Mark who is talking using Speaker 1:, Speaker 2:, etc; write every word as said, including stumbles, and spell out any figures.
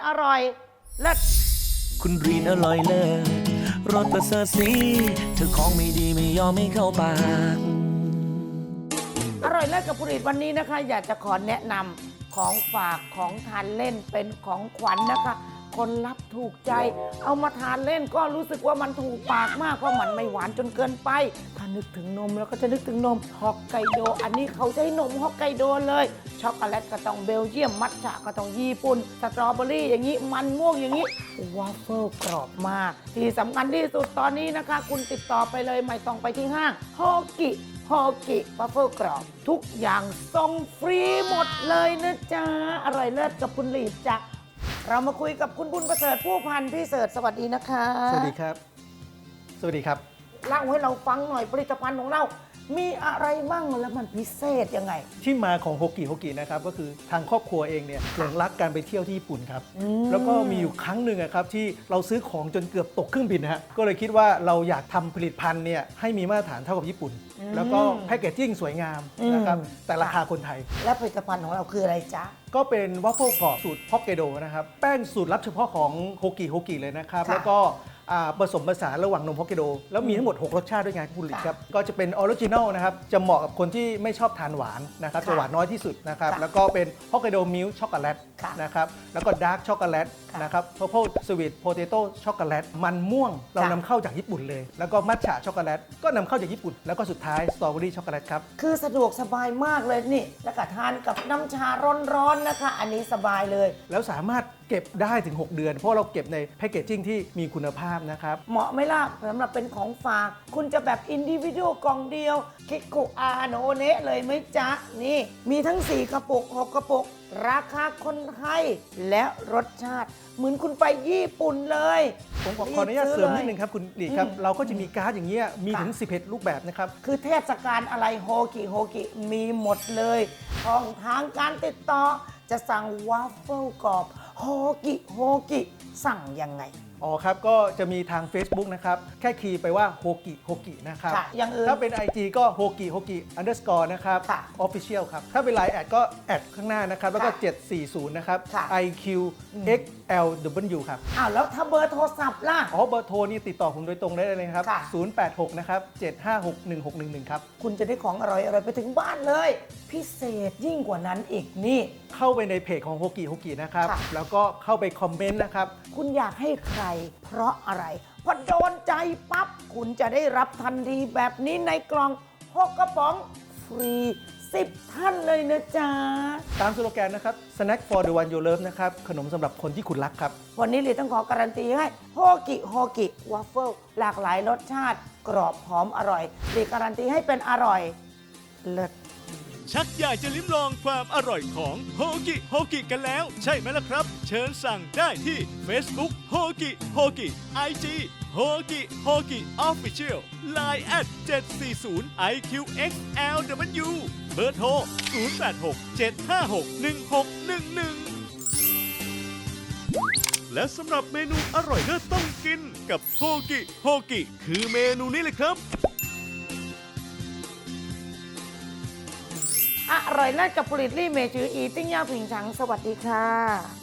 Speaker 1: อร่อยเลิศ
Speaker 2: คุณรีนอร่อยเลิศรสประเสริฐสีเธอของไม่ดีไม่ยอมไม่เข้าปาก
Speaker 1: อร่อยเลิศกับผลิตวันนี้นะคะ อยากจะขอแนะนำของฝากของทานเล่นเป็นของขวัญนะคะ คนรับถูกใจ เอามาทานเล่นก็รู้สึกว่ามันถูกปากมากเพราะมันไม่หวานจนเกินไปถ้านึกถึงนมแล้วก็จะนึกถึงนมฮอกไกโดอันนี้เขาใช้นมฮอกไกโดเลยช็อกโกแลตก็ต้องเบลเยียมมัทฉะก็ต้องญี่ปุ่นสตรอเบอรี่อย่างนี้มันม่วงอย่างนี้วาฟเฟิลกรอบมากที่สำคัญที่สุดตอนนี้นะคะคุณติดต่อไปเลยไม่ต้องไปที่ห้างฮอกิฮอกิวาฟเฟิลกรอบทุกอย่างส่งฟรีหมดเลยนะจ๊ะอร่อยเลิศกับคุณลีดจ้ะเรามาคุยกับคุณบุญประเสริฐผู้พันพี่เสริฐสวัสดีนะคะ
Speaker 3: สวัสดีครับ สวัสดีครับ
Speaker 1: เล่าให้เราฟังหน่อยผลิตภัณฑ์ของเรามีอะไรบ้างแล้วมันพิเศษยังไง
Speaker 3: ที่มาของโฮกิโฮกินะครับก็คือทางครอบครัวเองเนี่ยหลงรักการไปเที่ยวที่ญี่ปุ่นครับแล้วก็มีอยู่ครั้งหนึ่งครับที่เราซื้อของจนเกือบตกเครื่องบินนะฮะก็เลยคิดว่าเราอยากทำผลิตภัณฑ์เนี่ยให้มีมาตรฐานเท่ากับญี่ปุ่น แล้วก็แพคเกจจิ้งสวยงามนะครับแต่ราคาคนไทย
Speaker 1: และผลิตภัณฑ์ของเราคืออะไรจ๊ะ
Speaker 3: ก็เป็นวัฟเฟิลกรอบสูตรฮอกไกโดนะครับแป้งสูตรลับเฉพาะของโฮกิโฮกิเลยนะครับแล้วก็ผสมผสานระหว่างนมฮอกไกโดแล้วมีทั้งหมดหกรสชาติด้วยไงคุณลิศครับก็จะเป็นออริจินัลนะครับจะเหมาะกับคนที่ไม่ชอบทานหวานนะครับจะหวานน้อยที่สุดนะครับแล้วก็เป็นฮอกไกโดมิลค์ช็อกโกแลตนะครับแล้วก็ดาร์กช็อกโกแลตนะครับเพอร์เพลสวีทโพเตโต้ช็อกโกแลตมันม่วงเรานำเข้าจากญี่ปุ่นเลยแล้วก็มัทฉะช็อกโกแลตก็นำเข้าจากญี่ปุ่นแล้วก็สุดท้ายสตรอเบอรี่ช็อกโกแลตครับ
Speaker 1: คือสะดวกสบายมากเลยนี่แล้วก็ทานกับน้ำชาร้อนๆนะคะอันนี้สบายเลย
Speaker 3: แล้วสามารถเก็บได้ถึงหกเดือนเพราะเราเก็บในแพคเกจจิ้งที่มีคุณภาพนะครับ
Speaker 1: เหมาะไหมล่ะสำหรับเป็นของฝากคุณจะแบบอินดิวิวกล่องเดียวคิกคุอาโนเนะเลยไหมจ๊ะนี่มีทั้งสี่กระปุกหกกระปุกราคาคนไทยและรสชาติเหมือนคุณไปญี่ปุ่นเลย
Speaker 3: ผมขออนุญาตเสริมนิดนึงครับคุณหลีครับเราก็จะมีการ์ดอย่างเงี้ยมีถึงสิบเอ็ดรูปแบบนะครับ
Speaker 1: คือเทศกาลอะไรโฮกิโฮกิมีหมดเลยช่องทางการติดต่อจะสั่งวาฟเฟิลกรอบโฮกิโฮกิสั่งยังไง
Speaker 3: อ๋อครับก็จะมีทาง Facebook นะครับแค่คีย์ไปว่าโฮกิโฮกินะครับ
Speaker 1: อย่างอื่น
Speaker 3: ถ้าเป็น ไอ จี ก็โฮกิโฮกิ underscore นะครับ official ครับถ้าเป็น ไลน์ แอดก็แอดข้างหน้านะครับแล้วก็เจ็ดสี่ศูนย์นะครับ ไอ คิว เอ็กซ์ แอล ดับเบิลยู ครับ
Speaker 1: อ้าวแล้วถ้าเบอร์โทรศัพท์ล่ะ
Speaker 3: อ๋อเบอร์โทรนี่ติดต่อผมโดยตรงได้เลยครับศูนย์แปดหกนะครับเจ็ดห้าหกหนึ่งหกหนึ่งหนึ่งครับ
Speaker 1: คุณจะได้ของอร่อยอร่อยไปถึงบ้านเลยพิเศษยิ่งกว่านั้นอีกนี่
Speaker 3: เข้าไปในเพจของโฮกิโฮกินะครับแล้วก็เข้าไปคอมเมนต์นะครับ
Speaker 1: คุณอยากให้ใครเพราะอะไรพอโดนใจปั๊บคุณจะได้รับทันทีแบบนี้ในกล่องหกกระป๋องฟรีสิบท่านเลยนะจ๊ะ
Speaker 3: ตามสโลแกนนะครับ Snack for the one you love นะครับขนมสำหรับคนที่คุณรักครับ
Speaker 1: วันนี้เลยต้องขอการันตีให้โฮกิโฮกิวาฟเฟิลหลากหลายรสชาติกรอบหอมอร่อยเลยการันตีให้เป็นอร่อยเลิศ
Speaker 4: ชักอยากจะลิ้มลองความอร่อยของโฮกิโฮกิกันแล้วใช่ไหมล่ะครับเชิญสั่งได้ที่ Facebook โฮกิโฮกิ ไอ จี โฮกิโฮกิ Official ไลน์ แอท เจ็ดสี่ศูนย์ ไอ คิว เอ็กซ์ แอล ดับเบิลยู เบอร์โทร ศูนย์ แปด หก เจ็ด ห้า หก หนึ่ง หก หนึ่ง หนึ่ง และสำหรับเมนูอร่อยเลิศต้องกินกับโฮกิโฮกิคือเมนูนี้เลยครับ
Speaker 1: อร่อยเลิศกับผลิตลี่เมจืออีติ้งย่าผิงฉังสวัสดีค่ะ